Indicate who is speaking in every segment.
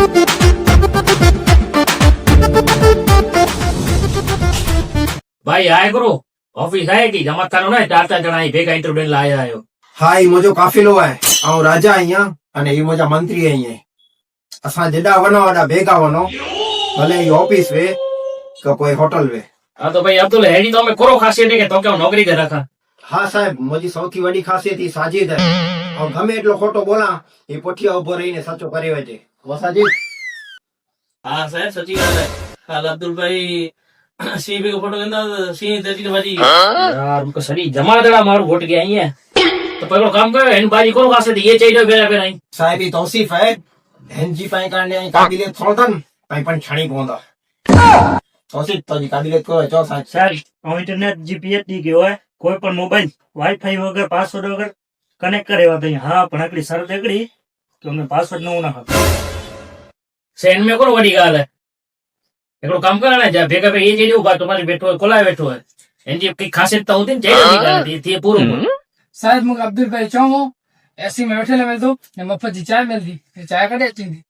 Speaker 1: भाई आए करो ऑफिस आए की जमा थानो ने 4 जणा भेगा इंटरव्यू लाया आयो।
Speaker 2: हाँ ई मुझो काफिलो है ऐं राजा आहियां अने ई मुझा मंत्री आहियां असां जेॾा वञो वॾा भेगा वञो भले ई ऑफिस वे का कोई होटल वे।
Speaker 1: हाँ तो भाई अब्दुल हेड़ी तो मैं करो खासियत है कि तो क्या नौकरी दे रखा।
Speaker 2: हाँ साहब मुझी सौथी वॾी ख़ासियत ई साजिद है ऐं गमे एटलो खोटो बोला ई पुठिया उभो रहीने सचो करे वठे। वो साजिद
Speaker 3: हाँ साहब सची बात है। हाल अब्दुल भाई सी भी को फोटो कहंदा सी तेजी बाजी
Speaker 1: यार उनको सरी जमा दड़ा मारू वोट के आई है तो पहलो काम करो इन बाजी करो खासियत ये चाहिए बेरा बेरा आई
Speaker 2: साहब ई तौसीफ है हिनजी पाई करने आई काबिलियत थोड़न पाई पण छाणी पवंदा। तौसीफ तो जी काबिलियत को चो साहब
Speaker 4: सर इंटरनेट जीपीएस दी गयो है कोई पण मोबाइल वाईफाई वगैरह पासवर्ड वगैरह कनेक्ट करे वाते हाँ पण एकड़ी शर्त एकड़ी कि हमने पासवर्ड न होना खपे
Speaker 1: सेन में करो बड़ी गाल है एकड़ो काम करना जा भेगा पे ये चाहिए बात तुम्हारी बैठो है कोला बैठो है इनकी की खासियत तो होती चाहिए गाल थी पूरो
Speaker 5: शायद मुझे अब्दुल भाई चाहो ऐसी में बैठे मिल दो ने मफत जी चाय मिलती चाय कड़े अची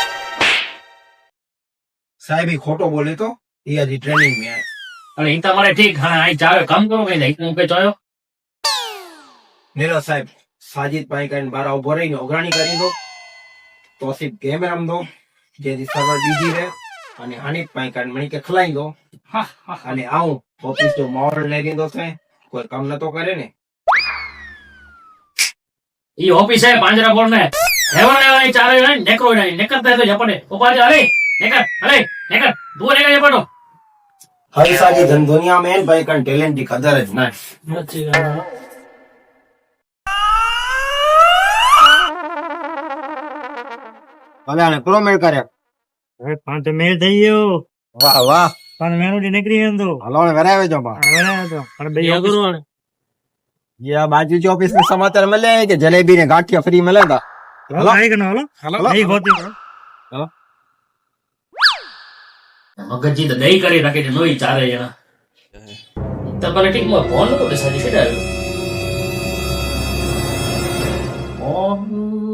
Speaker 2: साहब ई खोटो बोले तो ये अजी ट्रेनिंग में है।
Speaker 1: अरे इन तमारे ठीक हां आई चाहे काम करो कहीं नहीं पे चायो
Speaker 2: नेलो साहब साजिद पाई करन बारा उभो रहीने उघराणी करी दो तौसीफ गेम रमदो जेदी सर्वर बीजी रहे अने हानिफ पाई करन मणी के खलाई दो अने आऊं ऑफिस जो मॉरल ले दींदो थे कोई काम न तो करे ने।
Speaker 1: ये ऑफिस है पांजरा बोल में हेवन ने चारे ने नेकरो ने नेकरता है तो जपने ऊपर जा अरे नेकर दूर नेकर जपनो
Speaker 2: हर साजी धन दुनिया में भाई करन टैलेंट की कदर है ना।
Speaker 3: अच्छी बात है।
Speaker 2: भले ने प्रो मेल करे
Speaker 4: अरे पांच मेल થઈ ગયો
Speaker 2: वाह वाह
Speaker 4: પણ મેનુ દી નીકળી ગયો તો
Speaker 2: हलो ने वरावे जो बा
Speaker 4: હવે તો પણ બે
Speaker 3: क्या करूँ आने?
Speaker 2: ये बाजू जो ऑफिस में समाचार मिले हैं कि जलेबी ने गाठिया फ्री मिलेगा।
Speaker 4: હલો આઈ ગનો હલો નહીં હોતી
Speaker 1: मगजी तो दही करे रखे थे नोई चारे जना तब भले ठीक मैं फोन को साजी के डालो फोन